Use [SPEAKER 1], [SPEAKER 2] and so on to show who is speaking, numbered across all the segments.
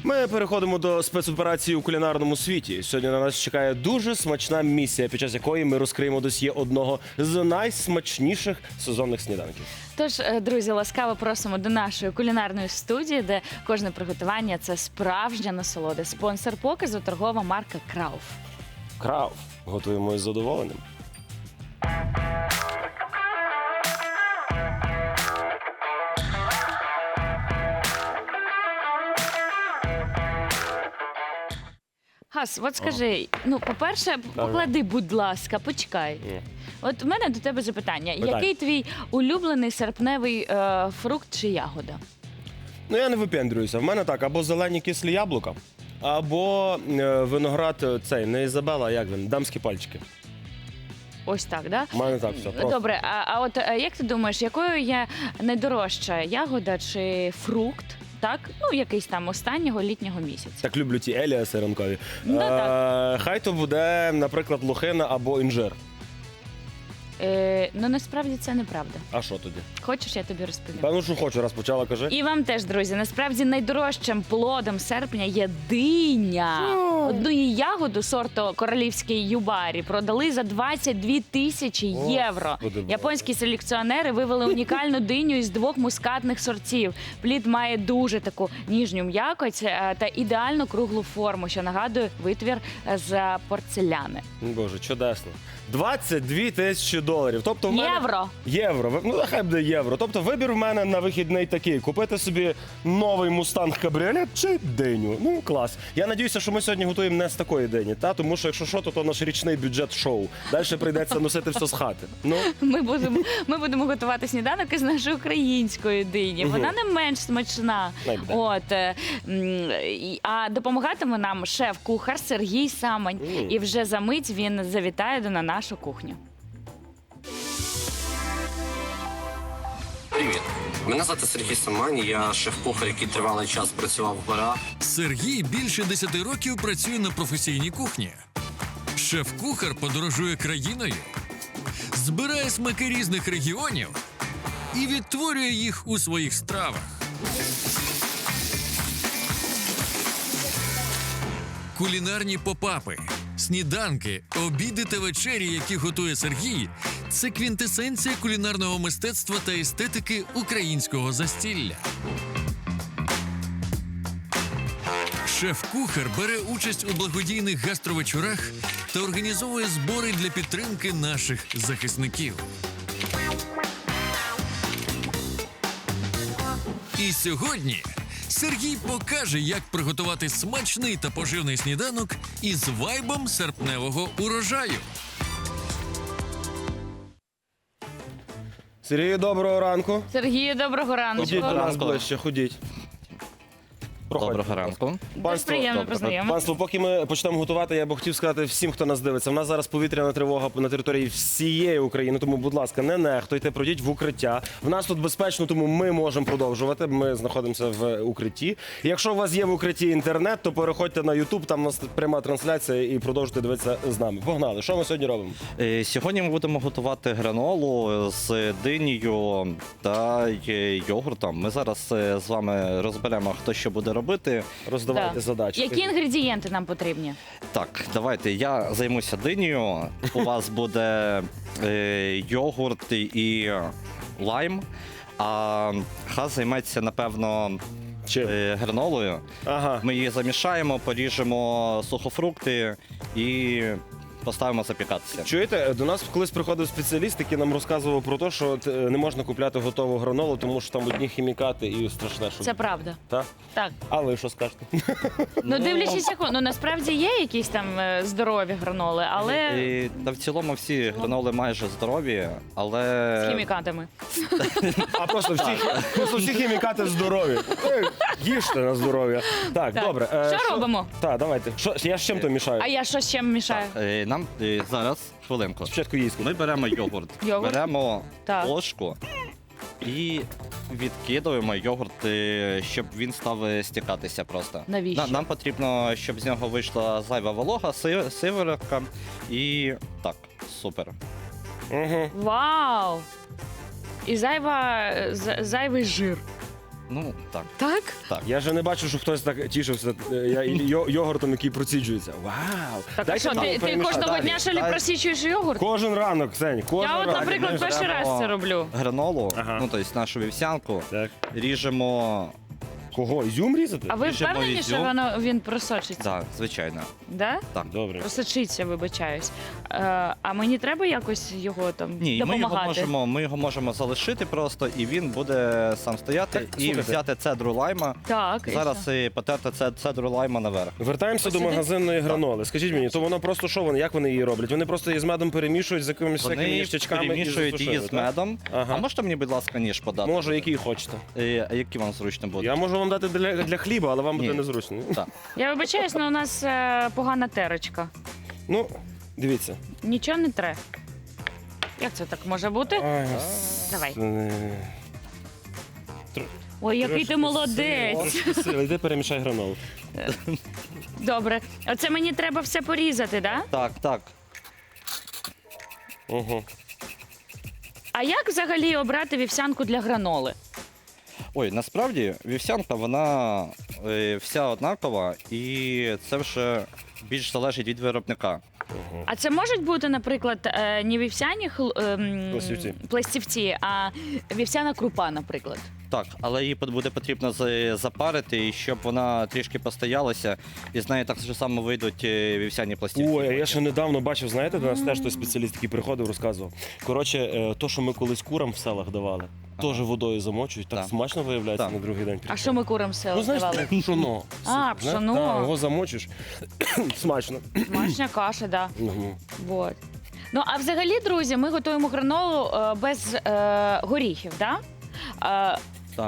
[SPEAKER 1] Ми переходимо до спецоперації у кулінарному світі. Сьогодні на нас чекає дуже смачна місія, під час якої ми розкриємо досьє одного з найсмачніших сезонних сніданків.
[SPEAKER 2] Тож, друзі, ласкаво просимо до нашої кулінарної студії, де кожне приготування – це справжня насолода. Спонсор показу – торгова марка Крауф.
[SPEAKER 1] Крауф. Готуємо із задоволенням.
[SPEAKER 2] Гас, от скажи, ну, по-перше, поклади, будь ласка, почекай. От в мене до тебе запитання. Який твій улюблений серпневий фрукт чи ягода?
[SPEAKER 1] Ну, я не випендрююся. В мене так, або зелені кислі яблука, або виноград цей, не Ізабела, а як він, дамські пальчики.
[SPEAKER 2] Ось так, да?
[SPEAKER 1] У мене так все. Просто.
[SPEAKER 2] Добре, а от як ти думаєш, якою є найдорожча ягода чи фрукт, так? Ну, якийсь там останнього літнього місяця.
[SPEAKER 1] Так люблю ті еліаси ранкові.
[SPEAKER 2] Ну, так.
[SPEAKER 1] Хай то буде, наприклад, лохина або інжир.
[SPEAKER 2] Ну, насправді це неправда.
[SPEAKER 1] А що тоді?
[SPEAKER 2] Хочеш, я тобі розповім?
[SPEAKER 1] Певно, що хочу, раз почала, кажи.
[SPEAKER 2] І вам теж, друзі, насправді найдорожчим плодом серпня є диня. Одну її ягоду сорту королівський юбарі продали за 22 тисячі євро.
[SPEAKER 1] Господи Боже.
[SPEAKER 2] Японські селекціонери вивели унікальну диню із 2 мускатних сортів. Плід має дуже таку ніжню м'якоть та ідеально круглу форму, що нагадує витвір з порцеляни.
[SPEAKER 1] Боже, чудесно. 22 тисячі доларів. Тобто в мене...
[SPEAKER 2] Євро.
[SPEAKER 1] Євро. Ну, нехай буде євро. Тобто вибір в мене на вихідний такий. Купити собі новий Мустанг Кабріолет чи диню. Ну, клас. Я надіюся, що ми сьогодні готуємо не з такої дині, та? Тому що, якщо що, то наш річний бюджет шоу. Далі прийдеться носити все з хати. Ну.
[SPEAKER 2] Ми будемо готувати сніданок із нашої української дині. Вона не менш смачна. От, а допомагатиме нам шеф-кухар Сергій Самань. І вже за мить він завітає на нашу кухню.
[SPEAKER 3] Привіт, мене звати Сергій Самань, я шеф-кухар, який тривалий час працював в барах.
[SPEAKER 4] Сергій більше 10 років працює на професійній кухні. Шеф-кухар подорожує країною, збирає смаки різних регіонів і відтворює їх у своїх стравах. Кулінарні попапи, сніданки, обіди та вечері, які готує Сергій – це квінтесенція кулінарного мистецтва та естетики українського застілля. Шеф-кухар бере участь у благодійних гастровечорах та організовує збори для підтримки наших захисників. І сьогодні Сергій покаже, як приготувати смачний та поживний сніданок із вайбом серпневого урожаю.
[SPEAKER 1] Сергію, доброго ранку.
[SPEAKER 2] Сергію, доброго ранку.
[SPEAKER 1] Ходіть до нас ближче, ходіть. Проходьте.
[SPEAKER 5] Доброго ранку.
[SPEAKER 2] Дуже приємно познайомитися.
[SPEAKER 1] Панство, поки ми почнемо готувати, я б хотів сказати всім, хто нас дивиться. У нас зараз повітряна тривога на території всієї України, тому, будь ласка, не нехтуйте, пройдіть в укриття. В нас тут безпечно, тому ми можемо продовжувати. Ми знаходимося в укритті. Якщо у вас є в укритті інтернет, то переходьте на YouTube, там у нас пряма трансляція і продовжуйте дивитися з нами. Погнали, що ми сьогодні робимо?
[SPEAKER 5] Сьогодні ми будемо готувати гранолу з динею та йогуртом. Ми зараз з вами розберемо, хто що буде робити.
[SPEAKER 1] Роздавайте задачі.
[SPEAKER 2] Які інгредієнти нам потрібні?
[SPEAKER 5] Так, давайте, я займуся динею. У вас буде йогурт і лайм, а Хас займеться, напевно, гранолою.
[SPEAKER 1] Ага.
[SPEAKER 5] Ми її замішаємо, поріжемо сухофрукти і поставимо запікатися.
[SPEAKER 1] Чуєте, до нас колись приходив спеціаліст, який нам розказував про те, що не можна купляти готову гранолу, тому що там одні хімікати і страшне, що...
[SPEAKER 2] Це правда.
[SPEAKER 1] Так?
[SPEAKER 2] Так.
[SPEAKER 1] А ви що скажете?
[SPEAKER 2] Ну, дивлячись, ну насправді є якісь там здорові граноли, але
[SPEAKER 5] Та в цілому всі граноли майже здорові, але...
[SPEAKER 2] з хімікатами.
[SPEAKER 1] А просто всі хімікати здорові. Їжте на здоров'я. Так,
[SPEAKER 2] Так.
[SPEAKER 1] добре.
[SPEAKER 2] Що робимо?
[SPEAKER 1] Так, давайте. Я з чим то мішаю?
[SPEAKER 2] А я що з чим мішаю?
[SPEAKER 5] Нам зараз, хвилинку.
[SPEAKER 1] Спочатку їсти.
[SPEAKER 5] Ми беремо йогурт,
[SPEAKER 2] Йогурт?
[SPEAKER 5] беремо
[SPEAKER 2] Так.
[SPEAKER 5] ложку і відкидуємо йогурт, щоб він став стікатися просто.
[SPEAKER 2] Навіщо?
[SPEAKER 5] Нам потрібно, щоб з нього вийшла зайва волога, сиворотка і так, супер.
[SPEAKER 1] Угу.
[SPEAKER 2] Вау! І зайвий жир.
[SPEAKER 5] Ну, так.
[SPEAKER 2] Так?
[SPEAKER 1] Я же не бачу, що хтось так тішився йогуртом, який проціджується. Вау!
[SPEAKER 2] Так, а
[SPEAKER 1] Дайте
[SPEAKER 2] що,
[SPEAKER 1] мені
[SPEAKER 2] ти
[SPEAKER 1] перемішати.
[SPEAKER 2] кожного
[SPEAKER 1] Далі.
[SPEAKER 2] дня шалі
[SPEAKER 5] Дай.
[SPEAKER 2] просічуєш йогурт?
[SPEAKER 1] Кожен ранок, Ксень, кожен
[SPEAKER 2] Я от,
[SPEAKER 1] ранок.
[SPEAKER 2] наприклад,
[SPEAKER 1] Знаєш,
[SPEAKER 2] перший раз це роблю.
[SPEAKER 5] Гранолу,
[SPEAKER 1] Ага.
[SPEAKER 5] ну, тобто нашу вівсянку,
[SPEAKER 1] Так.
[SPEAKER 5] ріжемо.
[SPEAKER 1] Кого? Ізюм різати?
[SPEAKER 2] А ви
[SPEAKER 5] Ріжемо
[SPEAKER 2] впевнені, що
[SPEAKER 5] ізюм.
[SPEAKER 2] він просочиться?
[SPEAKER 5] Так, звичайно.
[SPEAKER 2] Да?
[SPEAKER 5] Так.
[SPEAKER 1] Добре.
[SPEAKER 2] Просочиться, вибачаюсь. А мені треба якось його там
[SPEAKER 5] Ні,
[SPEAKER 2] допомагати?
[SPEAKER 5] ми його можемо залишити просто, і він буде сам стояти
[SPEAKER 1] Так,
[SPEAKER 5] і
[SPEAKER 1] слухайте.
[SPEAKER 5] взяти цедру лайма.
[SPEAKER 2] Так, і
[SPEAKER 5] Зараз
[SPEAKER 2] що?
[SPEAKER 5] і потерти цедру лайма наверх.
[SPEAKER 1] Вертаємося до
[SPEAKER 2] Посиди.
[SPEAKER 1] магазинної граноли. Скажіть мені, то воно просто що вони, як вони її роблять? Вони просто її з медом перемішують з якимись всякими
[SPEAKER 5] Вони
[SPEAKER 1] ніштячками і
[SPEAKER 5] перемішують її
[SPEAKER 1] засушують,
[SPEAKER 5] з
[SPEAKER 1] так?
[SPEAKER 5] медом.
[SPEAKER 1] Ага.
[SPEAKER 5] А можете мені, будь ласка, ніж подати?
[SPEAKER 1] Можу, який хочете.
[SPEAKER 5] А які вам зручно буде?
[SPEAKER 1] Я можу вам дати для хліба, але вам буде
[SPEAKER 5] Ні.
[SPEAKER 1] незручно.
[SPEAKER 5] Так.
[SPEAKER 2] Я вибачаюсь, але у нас погана терочка.
[SPEAKER 1] Ну, дивіться.
[SPEAKER 2] Нічого не тре. Як це так може бути?
[SPEAKER 1] Ай,
[SPEAKER 2] Давай.
[SPEAKER 1] Тр-
[SPEAKER 2] Ой, який ти
[SPEAKER 1] трошки
[SPEAKER 2] молодець.
[SPEAKER 1] Трошки сили. Йди перемішай гранолу.
[SPEAKER 2] Добре. Оце мені треба все порізати, да?
[SPEAKER 5] Так, так.
[SPEAKER 1] Угу.
[SPEAKER 2] А як взагалі обрати вівсянку для граноли?
[SPEAKER 5] Ой, насправді вівсянка, вона вся однакова, і це вже більш залежить від виробника.
[SPEAKER 2] А це можуть бути, наприклад, не вівсяні
[SPEAKER 1] Пластівці.
[SPEAKER 2] пластівці, а вівсяна крупа, наприклад.
[SPEAKER 5] Так, але її буде потрібно запарити, і щоб вона трішки постоялася, і з неї так же само вийдуть вівсяні пластівці.
[SPEAKER 1] Ой, а я ще недавно бачив, знаєте, до нас теж той спеціаліст, який приходив, розказував. Коротше, то, що ми колись курам в селах давали, теж водою замочують, так
[SPEAKER 5] Так.
[SPEAKER 1] смачно виявляється
[SPEAKER 5] Так.
[SPEAKER 1] на другий день.
[SPEAKER 2] А що ми курам
[SPEAKER 1] Ну,
[SPEAKER 2] все
[SPEAKER 1] знаєш,
[SPEAKER 2] давали?
[SPEAKER 1] пшоно.
[SPEAKER 2] А,
[SPEAKER 1] Знаєш,
[SPEAKER 2] пшоно.
[SPEAKER 1] так, його замочиш. Смачно.
[SPEAKER 2] Смачна каша, да.
[SPEAKER 1] Мгм.
[SPEAKER 2] Вот. Ну, а взагалі, друзі, ми готуємо гранолу без горіхів, да?
[SPEAKER 5] Так.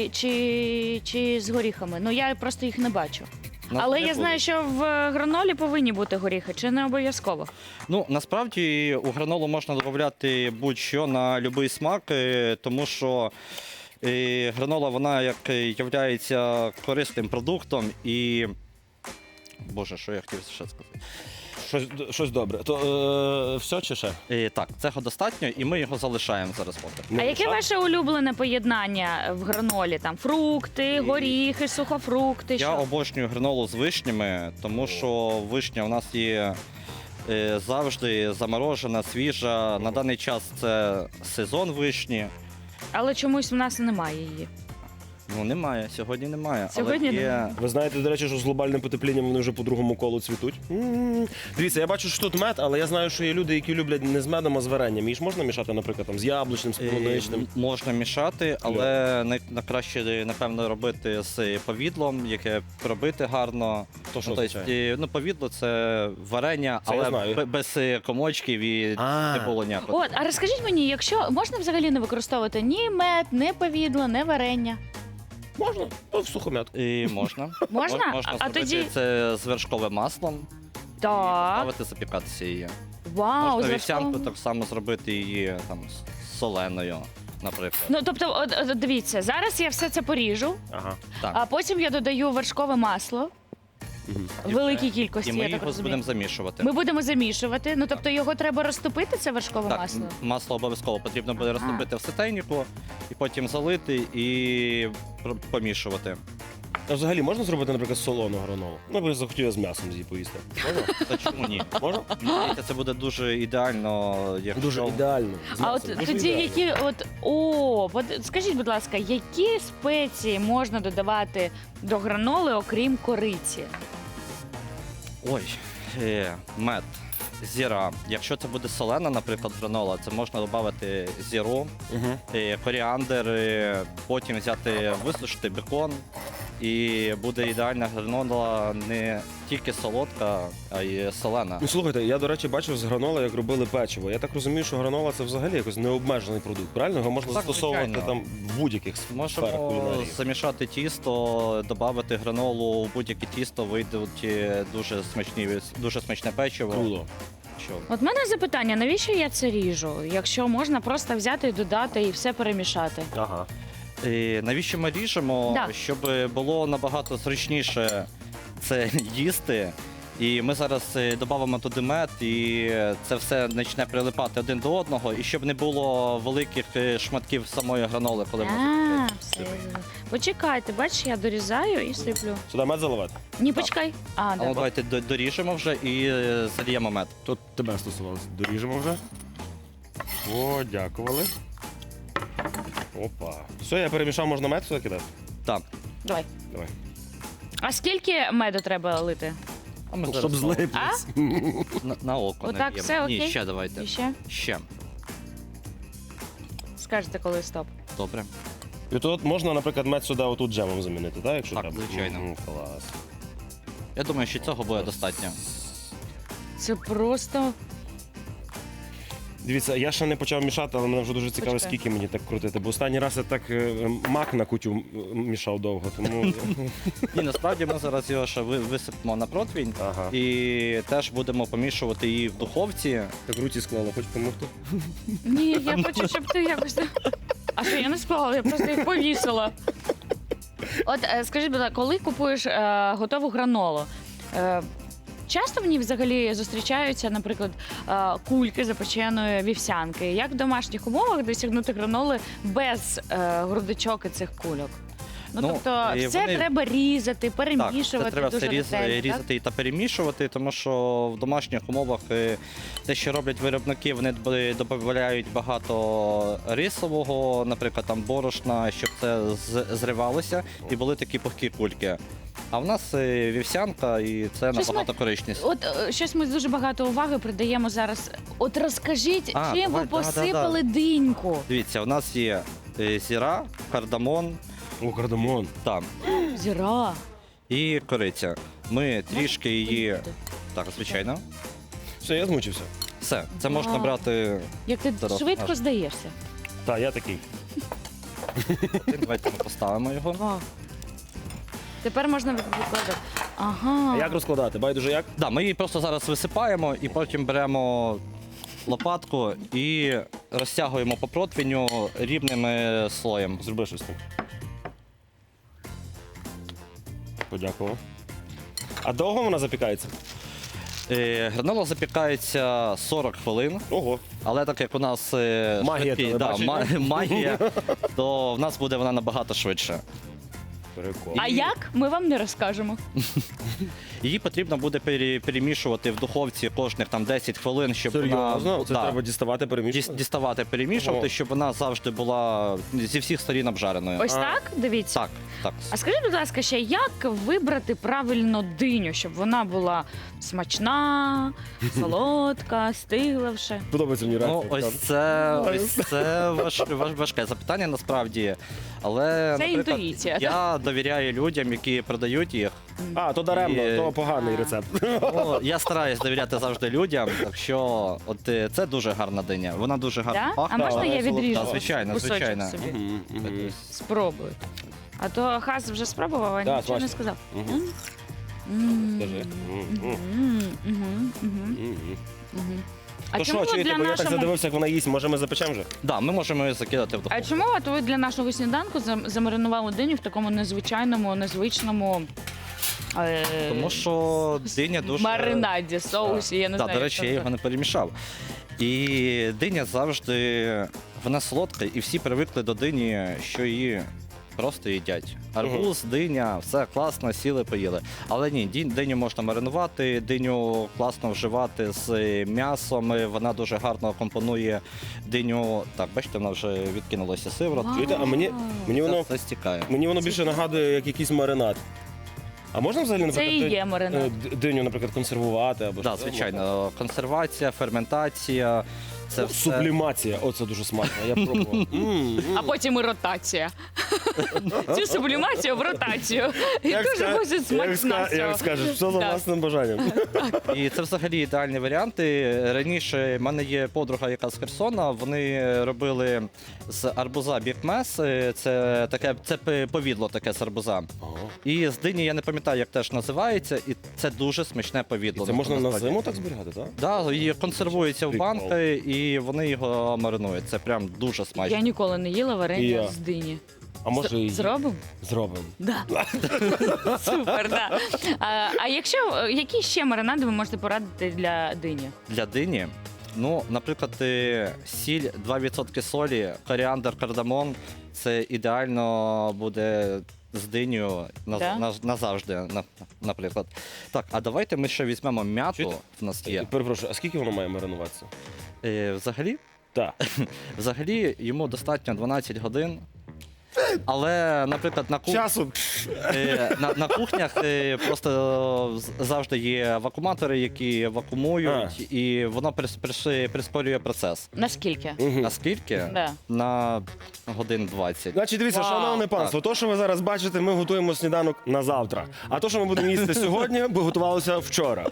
[SPEAKER 2] Чи з горіхами? Ну, я просто їх не бачу.
[SPEAKER 5] Нас
[SPEAKER 2] Але
[SPEAKER 5] не
[SPEAKER 2] я
[SPEAKER 5] буде.
[SPEAKER 2] знаю, що в гранолі повинні бути горіхи, чи не обов'язково?
[SPEAKER 5] Ну, насправді у гранолу можна додати будь-що на будь-який смак, тому що гранола, вона як є корисним продуктом і. Боже, що я хотів ще сказати?
[SPEAKER 1] Щось добре. То все чи ще?
[SPEAKER 5] Так, цього достатньо, і ми його залишаємо зараз поки.
[SPEAKER 1] Не
[SPEAKER 2] А яке
[SPEAKER 1] мішати?
[SPEAKER 2] ваше улюблене поєднання в гранолі? Там фрукти, горіхи, сухофрукти.
[SPEAKER 5] Я
[SPEAKER 2] Що?
[SPEAKER 5] обожнюю гранолу з вишнями, тому що вишня у нас є завжди заморожена, свіжа. На даний час це сезон вишні.
[SPEAKER 2] Але чомусь в нас немає її.
[SPEAKER 5] Ну, немає, сьогодні немає.
[SPEAKER 2] Сьогодні
[SPEAKER 5] але є...
[SPEAKER 2] немає.
[SPEAKER 1] Ви знаєте, до речі, що з глобальним потеплінням вони вже по другому колу цвітуть. Дивіться, я бачу, що тут мед, але я знаю, що є люди, які люблять не з медом, а з варенням. Її ж можна мішати, наприклад, там, з яблучним, з полуничним.
[SPEAKER 5] Можна мішати, але найкраще, напевно, робити з повідлом, яке робити гарно.
[SPEAKER 1] То що
[SPEAKER 5] тобто,
[SPEAKER 1] означає?
[SPEAKER 5] повідло це варення,
[SPEAKER 1] Це я
[SPEAKER 5] але
[SPEAKER 1] знаю.
[SPEAKER 5] без комочків і
[SPEAKER 1] А.
[SPEAKER 5] не було ніякого.
[SPEAKER 2] От, а розкажіть мені, якщо можна взагалі не використовувати ні мед, ні повідло, ні варення?
[SPEAKER 1] Можна, то в сухомятку.
[SPEAKER 5] І можна.
[SPEAKER 2] Можна?
[SPEAKER 5] Можна
[SPEAKER 2] А
[SPEAKER 5] зробити
[SPEAKER 2] тоді-
[SPEAKER 5] це з вершковим маслом,
[SPEAKER 2] Так.
[SPEAKER 5] ставити, запікатися її.
[SPEAKER 2] Вау,
[SPEAKER 5] Можна
[SPEAKER 2] за
[SPEAKER 5] вівсянку
[SPEAKER 2] що?
[SPEAKER 5] так само зробити її там соленою, наприклад.
[SPEAKER 2] Ну, тобто, от дивіться, зараз я все це поріжу,
[SPEAKER 1] Ага.
[SPEAKER 5] Так.
[SPEAKER 2] а потім я додаю вершкове масло в великій кількості,
[SPEAKER 5] І ми
[SPEAKER 2] я так
[SPEAKER 5] його
[SPEAKER 2] розумію.
[SPEAKER 5] будемо замішувати.
[SPEAKER 2] Ми будемо замішувати. Ну, тобто його треба розтопити, це вершкове
[SPEAKER 5] Так,
[SPEAKER 2] масло?
[SPEAKER 5] масло обов'язково потрібно буде розтопити в ситейнику, і потім залити і помішувати.
[SPEAKER 1] А взагалі можна зробити, наприклад, солону гранолу? Ну, бо я захотів я з м'ясом її поїсти. Можна?
[SPEAKER 5] Та чому ні?
[SPEAKER 1] Можна?
[SPEAKER 5] Мені здається, це буде дуже ідеально, якщо...
[SPEAKER 1] Дуже ідеально. З
[SPEAKER 2] А от
[SPEAKER 1] м'ясом. Дуже
[SPEAKER 2] тоді
[SPEAKER 1] ідеально.
[SPEAKER 2] скажіть, будь ласка, які спеції можна додавати до граноли, окрім кориці?
[SPEAKER 5] Ой, мед, зіра. Якщо це буде солена, наприклад, гранола, це можна додати зіру,
[SPEAKER 1] Мгм.
[SPEAKER 5] коріандр, потім взяти, висушити бекон, і буде ідеальна гранола не тільки солодка, а й солена.
[SPEAKER 1] Ну, слухайте, я, до речі, бачив з граноли, як робили печиво. Я так розумію, що гранола це взагалі якось необмежений продукт, правильно? Його можна
[SPEAKER 5] Так,
[SPEAKER 1] застосовувати
[SPEAKER 5] звичайно.
[SPEAKER 1] там в будь-яких сферах
[SPEAKER 5] Можемо
[SPEAKER 1] кулінарії.
[SPEAKER 5] замішати тісто, додати гранолу у будь-яке тісто, вийдуть дуже смачне печиво.
[SPEAKER 1] Круто.
[SPEAKER 5] Що?
[SPEAKER 2] От в мене запитання, навіщо я це ріжу? Якщо можна просто взяти і додати і все перемішати.
[SPEAKER 1] Ага.
[SPEAKER 5] Навіщо ми ріжемо?
[SPEAKER 2] Да.
[SPEAKER 5] Щоб було набагато зручніше це їсти. І ми зараз додамо туди мед, і це все почне прилипати один до одного, і щоб не було великих шматків самої граноли, коли ми
[SPEAKER 2] А, все. Почекайте, бачиш, я дорізаю і сиплю.
[SPEAKER 1] Сюди мед заливати?
[SPEAKER 2] Ні, почекай. А,
[SPEAKER 5] А ну,
[SPEAKER 2] да.
[SPEAKER 5] давайте доріжемо вже і зальємо мед.
[SPEAKER 1] Тут тебе стосувалося. Доріжемо вже. О, дякували. Опа. Все, я перемішав, можна мед сюди кидати?
[SPEAKER 5] Так.
[SPEAKER 2] Давай.
[SPEAKER 1] Давай.
[SPEAKER 2] А скільки меду треба лити?
[SPEAKER 5] А ми
[SPEAKER 1] Щоб
[SPEAKER 5] зараз
[SPEAKER 1] злиплись.
[SPEAKER 5] на око
[SPEAKER 2] Отак
[SPEAKER 5] наб'ємо.
[SPEAKER 2] все окей?
[SPEAKER 5] Ні, ще давайте.
[SPEAKER 2] І ще?
[SPEAKER 5] Ще.
[SPEAKER 2] Скажете, коли стоп.
[SPEAKER 5] Добре.
[SPEAKER 1] І тут можна, наприклад, мед сюди отут джемом замінити, так? Якщо
[SPEAKER 5] Так,
[SPEAKER 1] треба?
[SPEAKER 5] звичайно.
[SPEAKER 1] Клас.
[SPEAKER 5] Я думаю, що цього буде достатньо.
[SPEAKER 2] Це просто.
[SPEAKER 1] Дивіться, я ще не почав мішати, але мене вже дуже цікаво,
[SPEAKER 2] Почекай.
[SPEAKER 1] скільки мені так крутити. Бо останній раз я так мак на кутю мішав довго, тому.
[SPEAKER 5] І насправді ми зараз його ще висипемо на противень.
[SPEAKER 1] Ага.
[SPEAKER 5] І теж будемо помішувати її в духовці.
[SPEAKER 1] Так руці склала, хоч допомогти?
[SPEAKER 2] Ні, я хочу, щоб ти якось. А що я не склала, я просто їх повісила. От скажіть, будь ласка, коли купуєш готову гранолу? Часто в ній взагалі зустрічаються, наприклад, кульки запеченої вівсянки. Як в домашніх умовах досягнути граноли без грудочок і цих кульок? Ну,
[SPEAKER 5] Ну,
[SPEAKER 2] тобто,
[SPEAKER 5] і
[SPEAKER 2] все
[SPEAKER 5] вони-
[SPEAKER 2] треба різати,
[SPEAKER 5] Так,
[SPEAKER 2] перемішувати
[SPEAKER 5] це треба
[SPEAKER 2] дуже
[SPEAKER 5] все
[SPEAKER 2] ретельно, так?
[SPEAKER 5] різати та перемішувати, тому що в домашніх умовах те, що роблять виробники, вони додають багато рисового, наприклад, там борошна, щоб це зривалося і були такі пухкі кульки. А в нас вівсянка, і це
[SPEAKER 2] Щось
[SPEAKER 5] набагато корисніше.
[SPEAKER 2] От щось ми дуже багато уваги придаємо зараз. От розкажіть,
[SPEAKER 5] А,
[SPEAKER 2] чим ви
[SPEAKER 5] давай, да,
[SPEAKER 2] посипали диньку?
[SPEAKER 5] Дивіться, у нас є зіра, кардамон,
[SPEAKER 1] О, кардамон.
[SPEAKER 5] там,
[SPEAKER 2] Зіра.
[SPEAKER 5] і кориця. Ми трішки її.
[SPEAKER 2] Поїсти.
[SPEAKER 5] Так, звичайно.
[SPEAKER 1] Все, я змучився.
[SPEAKER 5] Все, це можна
[SPEAKER 2] Вау.
[SPEAKER 5] брати.
[SPEAKER 2] Як ти
[SPEAKER 5] Зараз
[SPEAKER 2] швидко
[SPEAKER 5] покажу.
[SPEAKER 2] здаєшся.
[SPEAKER 1] Так, я такий.
[SPEAKER 5] Давайте ми поставимо його.
[SPEAKER 2] Вау. Тепер можна викладати. Ага.
[SPEAKER 1] А як розкладати? Байдуже як?
[SPEAKER 5] Да, ми її просто зараз висипаємо і потім беремо лопатку і розтягуємо по противню рівним слоєм.
[SPEAKER 1] Зроби щось так. Подякував. А довго вона запікається?
[SPEAKER 5] Гранола запікається 40 хвилин,
[SPEAKER 1] Ого.
[SPEAKER 5] але так як у нас
[SPEAKER 1] Магія телебачення.
[SPEAKER 5] магія, то в нас буде вона набагато швидше.
[SPEAKER 1] Прикол.
[SPEAKER 2] А як? Ми вам не розкажемо.
[SPEAKER 5] Її потрібно буде перемішувати в духовці кожних там 10 хвилин, щоб
[SPEAKER 1] Серйозно?
[SPEAKER 5] вона
[SPEAKER 1] Це треба діставати, перемішувати?
[SPEAKER 5] діставати, перемішувати,
[SPEAKER 1] Ого.
[SPEAKER 5] щоб вона завжди була зі всіх сторін обжареною.
[SPEAKER 2] Ось так? Дивіться.
[SPEAKER 5] Так, так.
[SPEAKER 2] А скажіть, будь ласка, ще як вибрати правильно диню, щоб вона була смачна, солодка, стигла вже?
[SPEAKER 1] Подобається мені
[SPEAKER 5] Ну,
[SPEAKER 1] реакція.
[SPEAKER 5] ось це важке запитання насправді. Але,
[SPEAKER 2] Це
[SPEAKER 5] наприклад,
[SPEAKER 2] інтуїція,
[SPEAKER 5] я довіряю людям, які продають їх.
[SPEAKER 1] А, то даремно,
[SPEAKER 5] І-
[SPEAKER 1] то поганий рецепт.
[SPEAKER 5] Ну, я стараюсь довіряти завжди людям, так що от це дуже гарна диня. Вона дуже гарно
[SPEAKER 2] Да?
[SPEAKER 5] пахне.
[SPEAKER 2] А можна
[SPEAKER 5] але
[SPEAKER 2] я
[SPEAKER 5] солодка.
[SPEAKER 2] відріжу?
[SPEAKER 5] Так, звичайно,
[SPEAKER 2] кусочок
[SPEAKER 5] звичайно.
[SPEAKER 2] собі?
[SPEAKER 1] Мгм, мгм.
[SPEAKER 2] Спробую. А то Хас вже спробував, а
[SPEAKER 1] Да,
[SPEAKER 2] нічого не
[SPEAKER 1] смачно.
[SPEAKER 2] сказав.
[SPEAKER 1] Мгм.
[SPEAKER 2] М.
[SPEAKER 1] Скажи. Мгм.
[SPEAKER 2] Мгм, мгм,
[SPEAKER 1] Мгм.
[SPEAKER 2] мгм. А
[SPEAKER 1] То
[SPEAKER 2] чому
[SPEAKER 1] що,
[SPEAKER 2] ви
[SPEAKER 1] чуєте,
[SPEAKER 2] для
[SPEAKER 1] бо я так
[SPEAKER 2] нашого...
[SPEAKER 1] задивився, як вона їсть, може ми запечемо вже?
[SPEAKER 5] Да, ми можемо її закидати в
[SPEAKER 2] А
[SPEAKER 5] духовку.
[SPEAKER 2] чому от ви для нашого сніданку замаринували диню в такому незвичайному, незвичному
[SPEAKER 5] Тому що диня дуже...
[SPEAKER 2] маринаді, соусі, я не
[SPEAKER 5] Да,
[SPEAKER 2] знаю.
[SPEAKER 5] до
[SPEAKER 2] як
[SPEAKER 5] речі,
[SPEAKER 2] це
[SPEAKER 5] я його не перемішав. І диня завжди вона солодка, і всі привикли до дині, що її просто їдять. Арбуз, диня, все класно, сіли, поїли. Але ні, диню можна маринувати, диню класно вживати з м'ясом. Вона дуже гарно компонує диню. Так, бачите, вона вже відкинулася сиворотка.
[SPEAKER 2] Вау.
[SPEAKER 1] Чуєте, а мені воно,
[SPEAKER 5] Все стікає.
[SPEAKER 1] мені воно більше нагадує, як якийсь маринад. А можна взагалі,
[SPEAKER 2] Це
[SPEAKER 1] наприклад,
[SPEAKER 2] і є маринад.
[SPEAKER 1] диню, наприклад, консервувати або
[SPEAKER 5] Так,
[SPEAKER 1] що?
[SPEAKER 5] звичайно, консервація, ферментація. Це
[SPEAKER 1] Ну,
[SPEAKER 5] все.
[SPEAKER 1] Сублімація, оце дуже смачно. Я пробував.
[SPEAKER 2] А потім і ротація. Цю сублімацію в ротацію. І дуже буде смачна.
[SPEAKER 1] Як скажеш, все за
[SPEAKER 2] Так.
[SPEAKER 1] власним бажанням.
[SPEAKER 5] І це взагалі ідеальні варіанти. Раніше в мене є подруга, яка з Херсона. Вони робили з арбуза бікмес. Це таке, це повідло таке з арбуза. І з дині я не пам'ятаю, як теж називається, і це дуже смачне повідло.
[SPEAKER 1] Це можна на
[SPEAKER 5] насправді.
[SPEAKER 1] зиму так зберігати, так?
[SPEAKER 5] Да, і консервується в
[SPEAKER 1] Прикол.
[SPEAKER 5] банки, і вони його маринують. Це прям дуже смачно.
[SPEAKER 2] Я ніколи не їла
[SPEAKER 1] І
[SPEAKER 2] варення
[SPEAKER 1] я.
[SPEAKER 2] з дині.
[SPEAKER 1] А може і
[SPEAKER 2] Зробимо?
[SPEAKER 1] зробимо.
[SPEAKER 2] Да. Супер, да. Які ще маринади ви можете порадити для дині?
[SPEAKER 5] Для дині Ну, наприклад, сіль, 2% солі, коріандр, кардамон – це ідеально буде з динею
[SPEAKER 2] Да?
[SPEAKER 5] назавжди, наприклад. Так, а давайте ми ще візьмемо м'яту,
[SPEAKER 1] Чуєте?
[SPEAKER 5] в нас є.
[SPEAKER 1] Перепрошую, а скільки воно має маринуватися?
[SPEAKER 5] Взагалі,
[SPEAKER 1] Так.
[SPEAKER 5] взагалі йому достатньо 12 годин. Але, наприклад,
[SPEAKER 1] Часу.
[SPEAKER 5] на кухнях просто завжди є вакууматори, які вакуумують, і воно прискорює процес.
[SPEAKER 2] Наскільки?
[SPEAKER 5] Наскільки?
[SPEAKER 2] Да.
[SPEAKER 5] На годин 20.
[SPEAKER 1] Значить, дивіться,
[SPEAKER 2] Вау.
[SPEAKER 1] шановне панство, то, що ви зараз бачите, ми готуємо сніданок на завтра. А то, що ми будемо їсти сьогодні, ми готувалися вчора.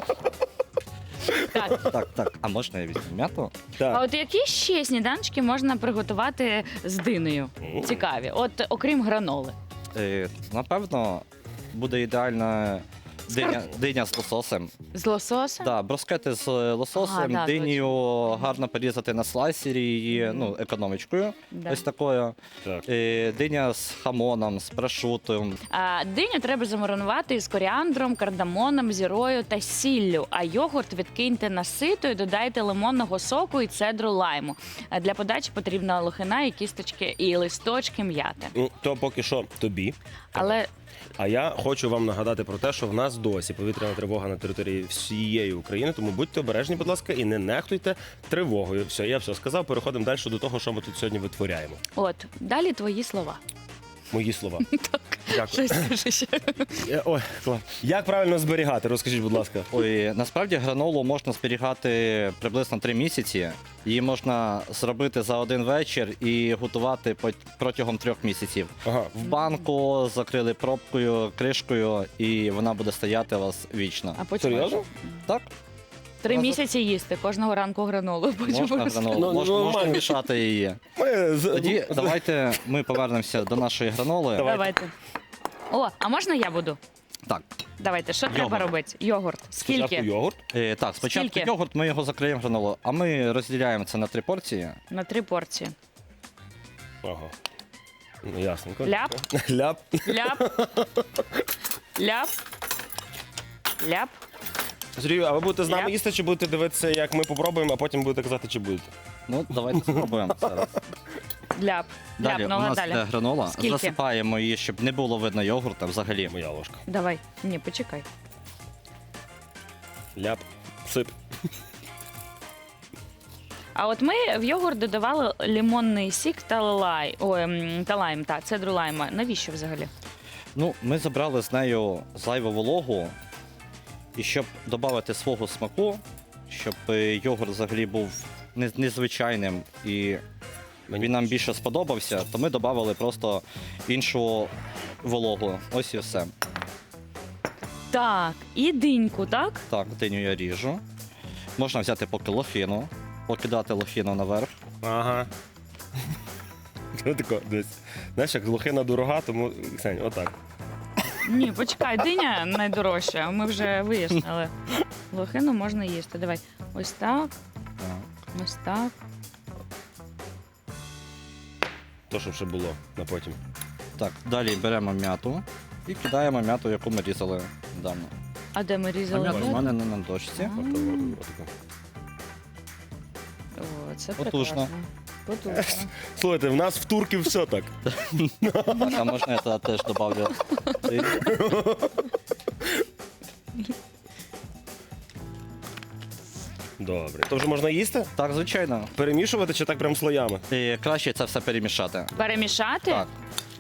[SPEAKER 2] Так.
[SPEAKER 5] Так. А можна я візьму м'яту?
[SPEAKER 2] А
[SPEAKER 1] Так.
[SPEAKER 2] от які ще сніданчики можна приготувати з диною? Цікаві. От окрім граноли.
[SPEAKER 5] Напевно, буде ідеальна диня з лососем.
[SPEAKER 2] З лососем?
[SPEAKER 5] Да, брускети з лососем,
[SPEAKER 2] да,
[SPEAKER 5] динію гарно порізати на слайсері її, економічкою.
[SPEAKER 2] Да.
[SPEAKER 5] Ось такою.
[SPEAKER 1] Так.
[SPEAKER 5] Диня з хамоном, з прошутом.
[SPEAKER 2] А диню треба замаринувати з коріандром, кардамоном, зірою та сіллю. А йогурт відкиньте на сито і додайте лимонного соку і цедру лайму. А для подачі потрібна лохина і кісточки і листочки м'яти.
[SPEAKER 1] Ну, то поки що тобі.
[SPEAKER 2] Але
[SPEAKER 1] А я хочу вам нагадати про те, що в нас досі повітряна тривога на території всієї України, тому будьте обережні, будь ласка, і не нехтуйте тривогою. Все, я все сказав. Переходимо далі до того, що ми тут сьогодні витворяємо.
[SPEAKER 2] от далі твої слова.
[SPEAKER 1] Мої слова.
[SPEAKER 2] Так,
[SPEAKER 1] Дякую.
[SPEAKER 2] щось скажи ще.
[SPEAKER 1] Ой, клас. Як правильно зберігати? Розкажіть, будь ласка.
[SPEAKER 5] Ой, насправді гранолу можна зберігати приблизно 3 місяці. Її можна зробити за один вечір і готувати протягом 3 місяців.
[SPEAKER 1] Ага.
[SPEAKER 5] В банку закрили пробкою, кришкою, і вона буде стояти у вас вічно.
[SPEAKER 2] А потім
[SPEAKER 1] Серйозно?
[SPEAKER 5] Так,
[SPEAKER 2] 3 місяці їсти кожного ранку гранолу. Потім
[SPEAKER 5] можна
[SPEAKER 2] просто-
[SPEAKER 5] гранолу,
[SPEAKER 1] Ну,
[SPEAKER 5] можна
[SPEAKER 1] нормально.
[SPEAKER 5] мішати її. Тоді давайте ми повернемося до нашої граноли.
[SPEAKER 2] Давайте. О, а можна я буду?
[SPEAKER 5] Так,
[SPEAKER 2] Давайте, що треба
[SPEAKER 5] Йогурт.
[SPEAKER 2] робити? Йогурт.
[SPEAKER 1] Спочатку
[SPEAKER 2] Скільки?
[SPEAKER 1] йогурт.
[SPEAKER 5] так, спочатку
[SPEAKER 2] Скільки?
[SPEAKER 5] йогурт, ми його закриємо гранолу, а ми розділяємо це на 3 порції.
[SPEAKER 2] На 3 порції.
[SPEAKER 1] Ага. Ну, ясненько.
[SPEAKER 2] Ляп.
[SPEAKER 1] Ляп.
[SPEAKER 2] Ляп. Ляп. Ляп.
[SPEAKER 1] Сергію, а ви будете з нами
[SPEAKER 2] Ляп.
[SPEAKER 1] їсти, чи будете дивитися, як ми попробуємо, а потім будете казати, чи будете?
[SPEAKER 5] Ну, давайте спробуємо зараз.
[SPEAKER 2] Ляп.
[SPEAKER 5] Далі у
[SPEAKER 2] Ляпнула
[SPEAKER 5] нас
[SPEAKER 2] далі.
[SPEAKER 5] йде гранола.
[SPEAKER 2] Скільки?
[SPEAKER 5] Засипаємо її, щоб не було видно йогурта взагалі.
[SPEAKER 1] Моя ложка.
[SPEAKER 2] Давай. Ні, почекай.
[SPEAKER 1] Ляп. Сип.
[SPEAKER 2] А от ми в йогурт додавали лимонний сік та лайм, та цедру лайма. Навіщо взагалі?
[SPEAKER 5] Ну, ми забрали з нею зайву вологу, і щоб додати свого смаку, щоб йогурт взагалі був незвичайним і він нам більше сподобався, то ми додали просто іншу вологу. Ось і все.
[SPEAKER 2] Так, і диньку, так?
[SPEAKER 5] Так, диню я ріжу. Можна взяти поки лохину, покидати лохину наверх.
[SPEAKER 1] Ага. Ну, тако, десь. Знаєш, як лохина дорога, тому, Ксень, отак.
[SPEAKER 2] Ні, почекай, диня найдорожча. Ми вже вияснили. Лохину можна їсти. Давай. Ось так,
[SPEAKER 5] Так.
[SPEAKER 2] ось так.
[SPEAKER 1] То, що ще було на потім.
[SPEAKER 5] Так, далі беремо м'яту і кидаємо м'яту, яку ми різали давно.
[SPEAKER 2] А де ми
[SPEAKER 5] А
[SPEAKER 2] різали?
[SPEAKER 5] м'ята в мене не на дошці.
[SPEAKER 1] Отако.
[SPEAKER 2] О, це
[SPEAKER 5] Потужно.
[SPEAKER 2] прекрасно. Потужно.
[SPEAKER 1] Слухайте, в нас в турків все так.
[SPEAKER 5] Так, а можна я туди теж добавлю?
[SPEAKER 1] Добре. То вже можна їсти?
[SPEAKER 5] Так, звичайно.
[SPEAKER 1] Перемішувати чи так прям слоями?
[SPEAKER 5] І краще це все перемішати.
[SPEAKER 2] Перемішати?
[SPEAKER 5] Так.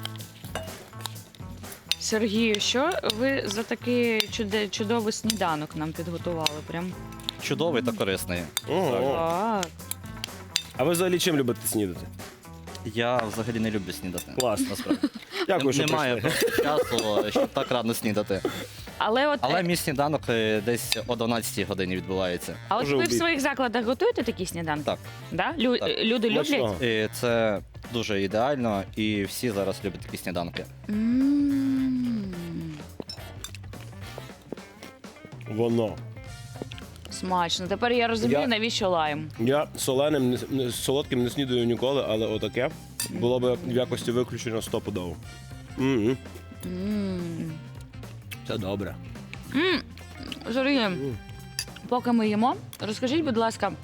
[SPEAKER 2] Сергію, що ви за такий чудовий сніданок нам підготували? Прям
[SPEAKER 5] Чудовий та корисний.
[SPEAKER 1] Ого.
[SPEAKER 2] так.
[SPEAKER 1] А ви взагалі чим любите снідати?
[SPEAKER 5] Я взагалі не люблю снідати.
[SPEAKER 1] Клас.
[SPEAKER 5] Насправді.
[SPEAKER 1] Дякую, що
[SPEAKER 5] Немає
[SPEAKER 1] прийшли.
[SPEAKER 5] просто часу, щоб так рано снідати.
[SPEAKER 2] Але от,
[SPEAKER 5] Але мій сніданок десь о 12 годині відбувається.
[SPEAKER 2] а от
[SPEAKER 1] Дуже
[SPEAKER 2] ви в
[SPEAKER 1] обід.
[SPEAKER 2] своїх закладах готуєте такі сніданки?
[SPEAKER 5] Так.
[SPEAKER 2] Да?
[SPEAKER 5] Так.
[SPEAKER 2] Люди люблять?
[SPEAKER 1] Смачного.
[SPEAKER 5] І це дуже ідеально, і всі зараз люблять такі сніданки.
[SPEAKER 2] М.
[SPEAKER 1] Воно.
[SPEAKER 2] Смачно. Тепер я розумію,
[SPEAKER 1] Я-
[SPEAKER 2] навіщо лайм.
[SPEAKER 1] Я соленим, солодким не снідаю ніколи, але отаке було б в якості виключення стопудово. Мгм.
[SPEAKER 2] М.
[SPEAKER 1] Це добре.
[SPEAKER 2] Сергій, поки ми їмо, розкажіть, будь ласка,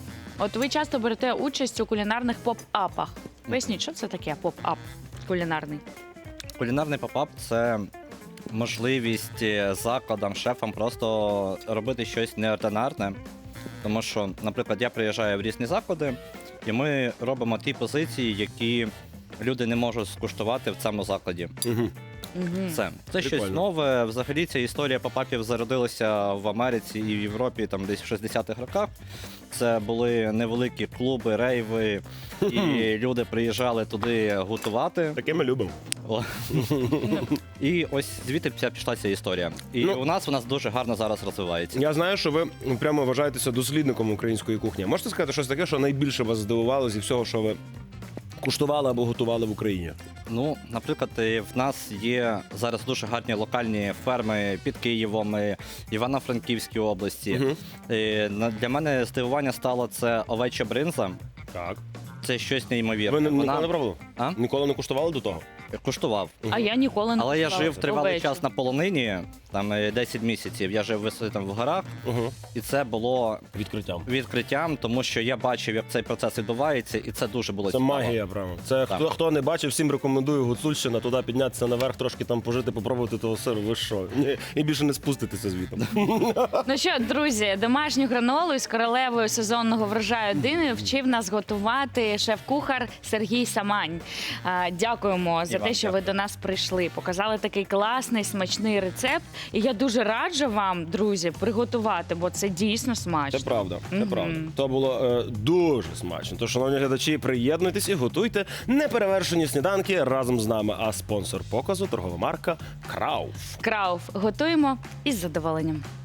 [SPEAKER 2] От ви часто берете участь у кулінарних поп-апах. Поясніть, що це таке поп-ап кулінарний?
[SPEAKER 5] Кулінарний попап це можливість закладам, шефам просто робити щось неординарне. Тому що, наприклад, я приїжджаю в різні заклади, і ми робимо ті позиції, які люди не можуть скуштувати в цьому закладі.
[SPEAKER 1] Угу.
[SPEAKER 5] Це щось
[SPEAKER 1] Прикольно.
[SPEAKER 5] нове. Взагалі ця історія попапів зародилася в Америці і в Європі там десь в 60-х роках. Це були невеликі клуби, рейви, і люди приїжджали туди готувати.
[SPEAKER 1] Таке ми любимо.
[SPEAKER 5] О. І ось звідти пішла ця історія. І
[SPEAKER 1] Ну,
[SPEAKER 5] у нас вона дуже гарно зараз розвивається.
[SPEAKER 1] Я знаю, що ви прямо вважаєтеся дослідником української кухні. Можете сказати щось таке, що найбільше вас здивувало зі всього, що ви куштували або готували в Україні?
[SPEAKER 5] Ну, наприклад, в нас є зараз дуже гарні локальні ферми під Києвом, Івано-Франківській області.
[SPEAKER 1] Мгм.
[SPEAKER 5] Для мене здивування стало це овеча бринза.
[SPEAKER 1] Так.
[SPEAKER 5] Це щось неймовірне.
[SPEAKER 1] Ви ніколи не
[SPEAKER 5] Вона
[SPEAKER 1] пробували?
[SPEAKER 5] А?
[SPEAKER 1] Ніколи не куштували до того?
[SPEAKER 5] куштував.
[SPEAKER 2] А я ніколи не
[SPEAKER 5] Але я
[SPEAKER 2] куштувала
[SPEAKER 5] жив тривалий
[SPEAKER 2] овечу.
[SPEAKER 5] час на полонині, там 10 місяців. Я жив там в горах,
[SPEAKER 1] Угу.
[SPEAKER 5] і це було
[SPEAKER 1] Відкриттям.
[SPEAKER 5] відкриттям, тому що я бачив, як цей процес відбувається, і це дуже було
[SPEAKER 1] Це
[SPEAKER 5] цікаво.
[SPEAKER 1] магія, прямо. Це
[SPEAKER 5] Так.
[SPEAKER 1] хто не бачив, всім рекомендую Гуцульщина, туди піднятися наверх, трошки там пожити, попробувати того сиру. Ви що? Ні, і більше не спуститися звідти.
[SPEAKER 2] Ну що, друзі, домашню гранолу із королевою сезонного врожаю дини вчив нас готувати шеф-кухар Сергій Самань. Дякуємо за
[SPEAKER 1] І вам
[SPEAKER 2] те, що ви до нас прийшли. Показали такий класний, смачний рецепт. І я дуже раджу вам, друзі, приготувати, бо це дійсно смачно.
[SPEAKER 1] Це правда, це
[SPEAKER 2] Мгм.
[SPEAKER 1] правда. То було дуже смачно. Тож, шановні глядачі, приєднуйтесь і готуйте неперевершені сніданки разом з нами. А спонсор показу торгова марка Крауф.
[SPEAKER 2] Крауф готуємо із задоволенням.